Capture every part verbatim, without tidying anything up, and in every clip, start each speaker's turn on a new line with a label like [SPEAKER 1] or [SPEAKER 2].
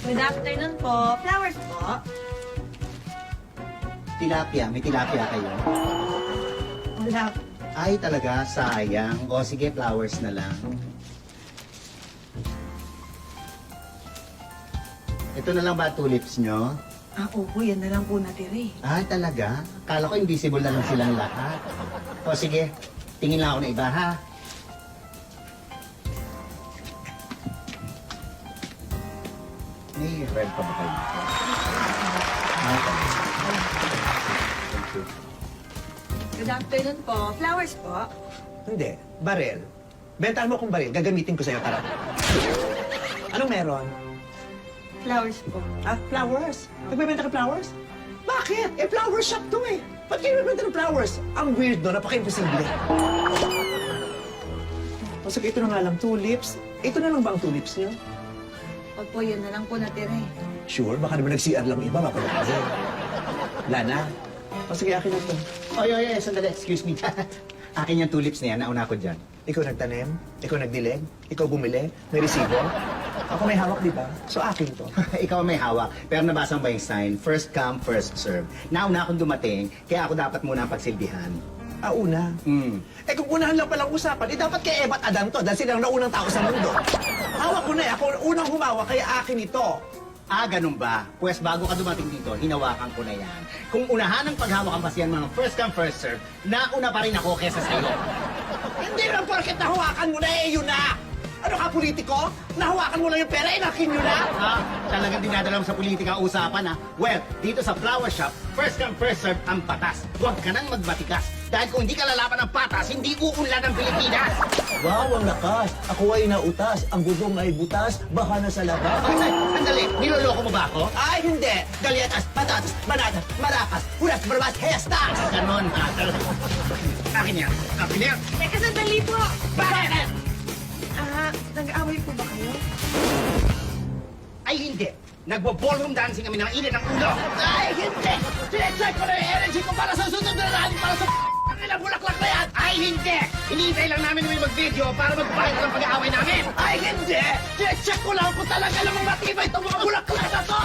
[SPEAKER 1] Good afternoon po. Flowers po.
[SPEAKER 2] Tilapia, may tilapia kayo?
[SPEAKER 1] Wala.
[SPEAKER 2] Ay, talaga, sayang. O sige, flowers na lang. Ito na lang ba tulips nyo?
[SPEAKER 1] Ah, opo, yan na lang po natira eh.
[SPEAKER 2] Ah, talaga? Kala ko invisible na lang silang lahat. O sige, tingin lang ako na iba, ha? May red pa ba kayo? Ah, okay. Thank you.
[SPEAKER 1] Good afternoon po. Flowers po.
[SPEAKER 3] Hindi. Barel. Bentahan mo akong baril. Gagamitin ko sa'yo. Tara. Anong meron?
[SPEAKER 1] Flowers po.
[SPEAKER 3] Ah, flowers? Nagbebenta ka flowers? Bakit? Eh, flower shop to eh. Ba't kayo nagbebenta ng flowers? Ang weird no, napaka-imposible. O sige, ito na nga lang, tulips. Ito na lang ba ang tulips niyo?
[SPEAKER 1] Opo, yan na lang po natira eh.
[SPEAKER 3] Sure, baka naman nag-C R lang iba, mapalakasin. Wala na. O sige, akin na to.
[SPEAKER 2] Oy, oy, oy, sandali. Excuse me. Akin yung tulips na yan. Nauna ko dyan.
[SPEAKER 3] Ikaw nagtanim, ikaw nagdilig, ikaw bumili, may resibo. Ako may hawak, di ba? So akin to.
[SPEAKER 2] Ikaw may hawak, pero nabasa mo ba yung sign? First come, first serve. Nauna akong dumating, kaya ako dapat muna ang pagsilbihan.
[SPEAKER 3] Ah, una.
[SPEAKER 2] Hmm.
[SPEAKER 3] Eh kung unahan lang palang usapan, eh dapat kay Eva at Adan to dahil sila ang naunang tao sa mundo. Hawak ko na eh. Ako ang unang humawak, kaya akin ito.
[SPEAKER 2] Ah, ganun ba? Pwes bago ka dumating dito, hinawakan ko na yan. Kung unahan ng paghawak ang basihan mga first come, first serve, nauna pa rin ako kesa sa'yo.
[SPEAKER 3] Hindi lang porket nahawakan mo na eh, yun na! Ano ka, politiko? Nahawakan mo lang yung pera, inakin nyo na!
[SPEAKER 2] Ha? Talagang dinadala mo sa politika ang usapan, ha? Well, dito sa flower shop, first come, first serve ang patas. Huwag ka nang magbatikas. Dahil kung hindi ka lalaban ng patas, hindi uunlad ang Pilipinas.
[SPEAKER 3] Wow, ang lakas! Ako ay nautas, ang gudong ay butas, baka na sa labas.
[SPEAKER 2] Ay, sandali, niloloko mo ba ako?
[SPEAKER 3] Ay, hindi! Galyetas, patatas, bananas, maracas, hulas, barbas, hestas!
[SPEAKER 2] Ganon, ha? Akin yan. Akin yan.
[SPEAKER 1] Teka, sandali po!
[SPEAKER 2] Bakit?
[SPEAKER 1] Ah, nag-aaway po ba kayo?
[SPEAKER 2] Ay, hindi. Nagbo-ballroom dancing kami ng init ng ulo.
[SPEAKER 3] Ay, hindi! Sinecheck ko na yung energy ko para sa sunod na rally, para sa ilang bulaklak na yan!
[SPEAKER 2] Ay, hindi! Hinihintay lang namin may mag-video para mag-fight ng pag-aaway namin.
[SPEAKER 3] Ay, hindi! Sinecheck ko lang kung talaga namang matibay itong mga bulaklak na to!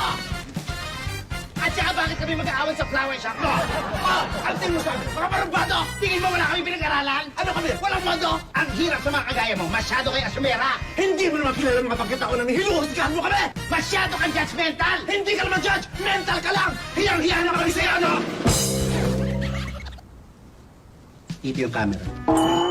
[SPEAKER 2] At saka bakit kami mag-aaway sa flower shop mo?
[SPEAKER 3] Oh, ang tingin mo sa akin, mga parumbado!
[SPEAKER 2] Tingin mo wala kami pinag-aralan?
[SPEAKER 3] Ano kami? Walang modo!
[SPEAKER 2] Ang hirap sa mga kagaya mo. Masyado kay asumera.
[SPEAKER 3] Hindi mo naman kilala mga pagkita ko nang hinuhusgahan mo kami!
[SPEAKER 2] Masyado kang judgmental.
[SPEAKER 3] Hindi ka naman judge! Mental ka lang! Hiyang-hiya na kami sa'yo, ano?
[SPEAKER 2] Ito yung camera.